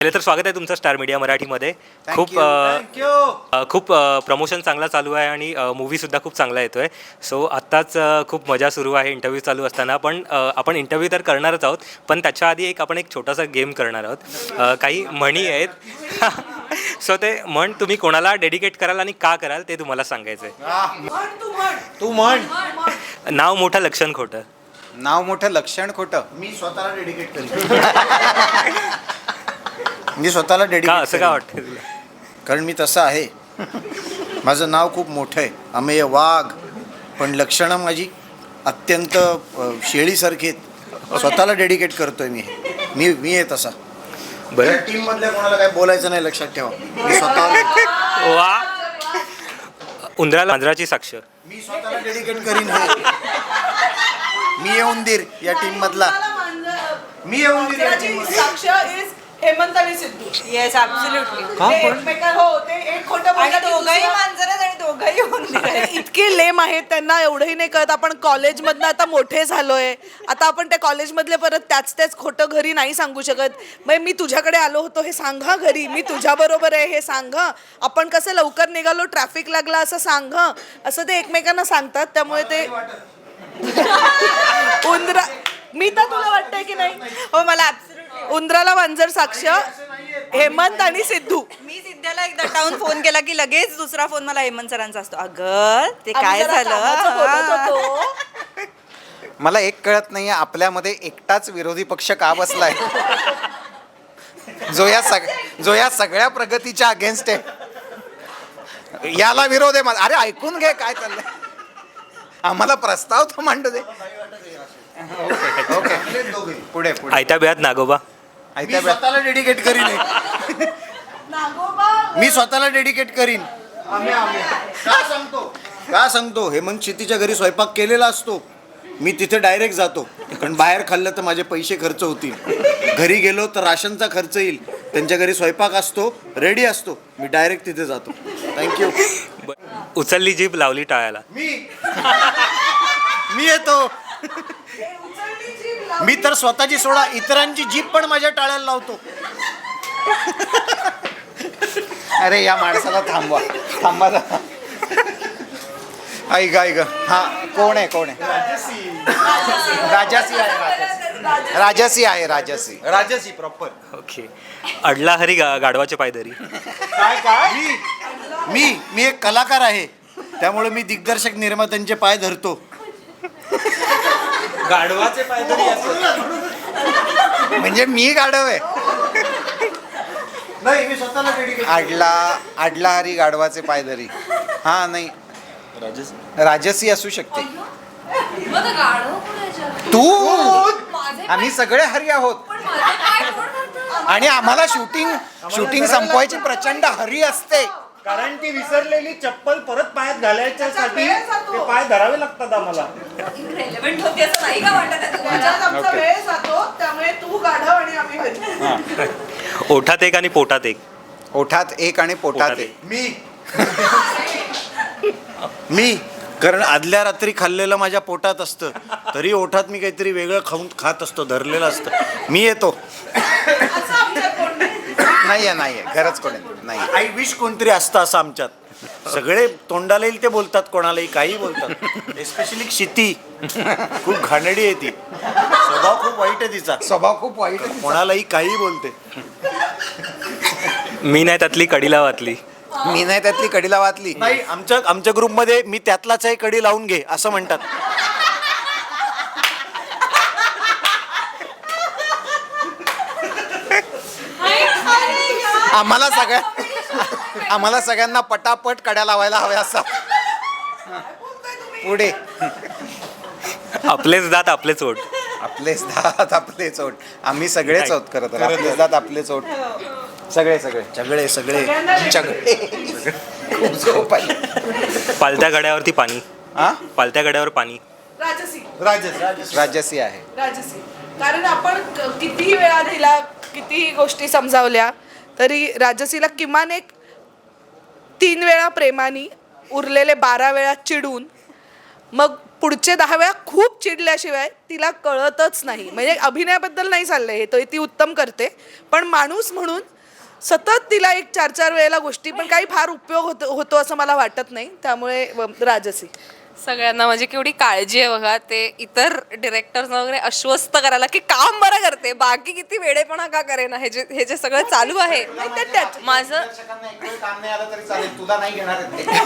पहिले तर स्वागत आहे तुमचं स्टार मीडिया मराठीमध्ये. खूप प्रमोशन चांगला चालू आहे आणि मूवीसुद्धा खूप चांगला येतो आहे. सो आत्ताच खूप मजा सुरू आहे इंटरव्ह्यू चालू असताना. पण आपण इंटरव्ह्यू तर करणारच आहोत, पण त्याच्या आधी आपण एक छोटासा गेम करणार आहोत. काही म्हणी आहेत. सो ते म्हण तुम्ही कोणाला डेडिकेट कराल आणि का कराल ते तुम्हाला सांगायचं आहे. तू म्हण. नाव मोठं लक्षण खोटं. नाव मोठं लक्षण खोटं. मी स्वतःला डेडिकेट करेन. मी स्वतःला का डेडिकेट असं का वाटतं तुला? कारण मी तसं आहे. माझं नाव खूप मोठं आहे, अमेय वाघ, पण लक्षणं माझी अत्यंत शेळीसारखी आहेत. स्वतःला डेडिकेट करतोय मी आहे तसा. बरं. टीम मधल्या कोणाला काय बोलायचं नाही, लक्षात ठेवा. मी स्वतः वा. उंदराला मांजराची साक्ष. मी स्वतःला डेडिकेट करीन. मी येऊन देर या टीम मधला. मी येऊन देर या टीम मधला. साक्ष इज हेमंत आणि सिद्धू. Yes absolutely. हो, ते एक खोटं आणि बोलतात, दोघंही दुसरं- मांजर आहेत आणि दोघंही उंदीर आहेत. इतके लेम आहेत, त्यांना एवढंही नाही कळत. आपण कॉलेजमधनं आता मोठे झालोय, आता आपण त्या कॉलेजमधले परत त्याच खोटं घरी नाही सांगू शकत. मग मी तुझ्याकडे आलो होतो हे सांग हं घरी, मी तुझ्या बरोबर आहे हे सांग हं, आपण कसं लवकर निघालो, ट्रॅफिक लागला असं सांग हं, असं ते एकमेकांना सांगतात. त्यामुळे ते उंदरा, मी तर तुला वाटतंय की नाही? हो मला ॲब्सोल्युटली. उंदराला मांजर साक्ष हेमंत आणि सिद्धू. मी सिद्ध्याला एकदा टाऊन फोन केला की लगेच दुसरा फोन मला हेमंत सरांचा असतो. अगं ते आम्ही काय जरा कामाचं बोलत झालं. होतो. मला एक कळत नाहीये, आपल्यामध्ये एकटाच विरोधी पक्ष का बसलाय जो या सगळ्या प्रगतीच्या अगेन्स्ट आहे. याला विरोध आहे माझा. अरे ऐकून घे काय चाललंय. आम्हाला प्रस्ताव तर मांडू दे. ओके पुढे पुढे. आयत्या बिळात नागोबा. मी स्वतःला डेडिकेट करीन. मी स्वतःला डेडिकेट करीन. का सांगतो हेमंत शेतीच्या घरी स्वयंपाक केलेला असतो, मी तिथे डायरेक्ट जातो. कारण बाहेर खाल्लं तर माझे पैसे खर्च होतील. घरी गेलो तर राशनचा खर्च येईल. त्यांच्या घरी स्वयंपाक असतो, रेडी असतो, मी डायरेक्ट तिथे जातो. थँक्यू. उचलली जीभ लावली टाळ्याला. मी येतो. मी तर स्वतःची सोडा इतरांची जीभ पण माझ्या टाळ्याला लावतो. अरे या माणसाला थांबा ऐक हा कोण आहे राजसी प्रॉपर. ओके. अडला हरी गाढवाचे पायदरी. काय मी एक कलाकार आहे, त्यामुळे मी दिग्दर्शक निर्मात्यांचे पाय धरतो. गाढवाचे पायदरी म्हणजे मी गाढव आहे. नाही, मी स्वतःला डेडिकेट. आडला हरी गाढवाचे पायदरी. हा नाही राजसी असू शकते. तू आम्ही सगळे हरी आहोत आणि आम्हाला शूटिंग संपवायची प्रचंड हरी असते. कारण ती विसरलेली चप्पल परत पायात घालायच्यासाठी ते पाय धरावे लागतात आम्हाला. रेलेव्हंट होती असं नाही का वाटत आहे तुम्हाला? त्याच्यात आमचा वेळ जातो, त्यामुळे तू गाढव आणि आम्ही घरी. ओठात एक आणि पोटात एक. ओठात एक आणि पोटात एक. मी कारण आदल्या रात्री खाल्लेलं माझ्या पोटात असतं, तरी ओठात मी काहीतरी वेगळं खात असतो, धरलेलं असतं. मी येतो. असं आमच्यात कोण नाही. नाहीये खरंच कोणी नाही. आय विश कोणतरी असतं असं आमच्यात. सगळे तोंडाला येईल ते बोलतात, कोणालाही काही बोलतात. एस्पेशली क्षिती खूप घाणेरडी आहे ती. स्वभाव खूप वाईट आहे तिचा. स्वभाव खूप वाईट आहे. कोणालाही काही बोलते. मी नाही त्यातली कडीला वातली. मी नाही त्यातली कडीला वाचली. नाही, आमच्या ग्रुपमध्ये मी त्यातलाच आहे, कडी लावून घे असं म्हणतात. आम्हाला सगळ्यांना पटापट कड्या लावायला हव्या असं. पुढे. आपलेच दात आपलेच ओठ. आपलेच दात आपलेच ओठ. आम्ही सगळेच आहोत खरं तर. आपलेच दात आपलेच ओठ. सगळे खूप झोप आली. पालत्या गड्यावरती पाणी. हा पालत्या गड्यावर पाणी. राजसी आहे. राजसी. कारण आपण कितीही वेळा दिला, कितीही गोष्टी समजावल्या, तरी राजसीला किमान एक 3 वेळा प्रेमाने, उरलेले 12 वेळा चिडून, मग पुढचे 10 वेळा खूप चिडल्याशिवाय तिला कळतच नाही. म्हणजे अभिनयाबद्दल नाही चाललंय हे, तर ती उत्तम करते, पण माणूस म्हणून सतत तिला एक 4-4 वेळेला गोष्टी, पण काही फार उपयोग होतो असं मला वाटत नाही. त्यामुळे राजसी. सगळ्यांना म्हणजे केवढी काळजी आहे बघा, ते इतर डिरेक्टर्स वगैरे आश्वस्त करायला की काम बरं करते, बाकी किती वेडेपणा का करेना, हे जे सगळं चालू आहे माझं. काम नाही आलं तरी चालेल, तुला नाही घेणार आहेत ते.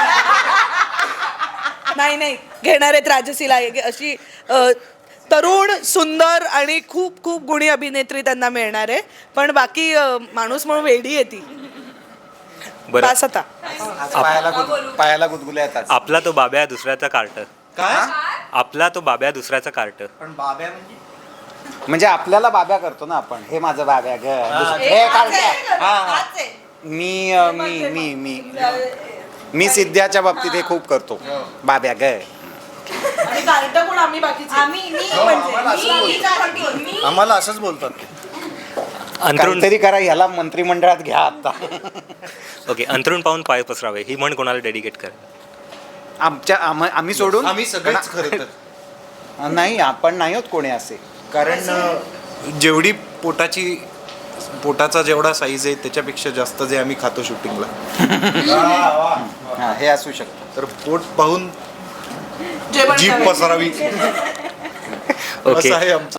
नाही घेणार आहेत राजसीला. अशी तरुण सुंदर आणि खूप खूप गुणी अभिनेत्री त्यांना मिळणार आहे, पण बाकी माणूस म्हणून वेडी आहे ती. बरं, बस आता. पायाला गुदगुल्या येतात. आपला तो बाब्या दुसऱ्याचा कार्ट. काय आपला तो बाब्या दुसऱ्याचा कार्ट. पण बाब्या म्हणजे आपल्याला बाब्या करतो ना आपण, हे माझं बाब्या ग, हे कार्ट्या. मी सिद्ध्याच्या बाबतीत हे खूप करतो, बाब्या ग. आणि कार्ट कोण? आम्ही बाकीचे. आम्हाला असंच बोलतात ते. अंथरुण काहीतरी करा, ह्याला मंत्रिमंडळात घ्या आता. ओके, अंथरुण पाहून पाय पसरावे ही म्हण कोणाला डेडिकेट करा? आम्ही सोडून आम्ही सगळेच खरं तर. नाही, आपण नाही होत कोणी असे. कारण जेवढी पोटाचा जेवढा साईज आहे त्याच्यापेक्षा जास्त जे आम्ही खातो शूटिंगला, हा, हे असू शकतं. तर पोट पाहून जेवण जीभ करायचं. पसरावी ओके. असं आहे आमचं.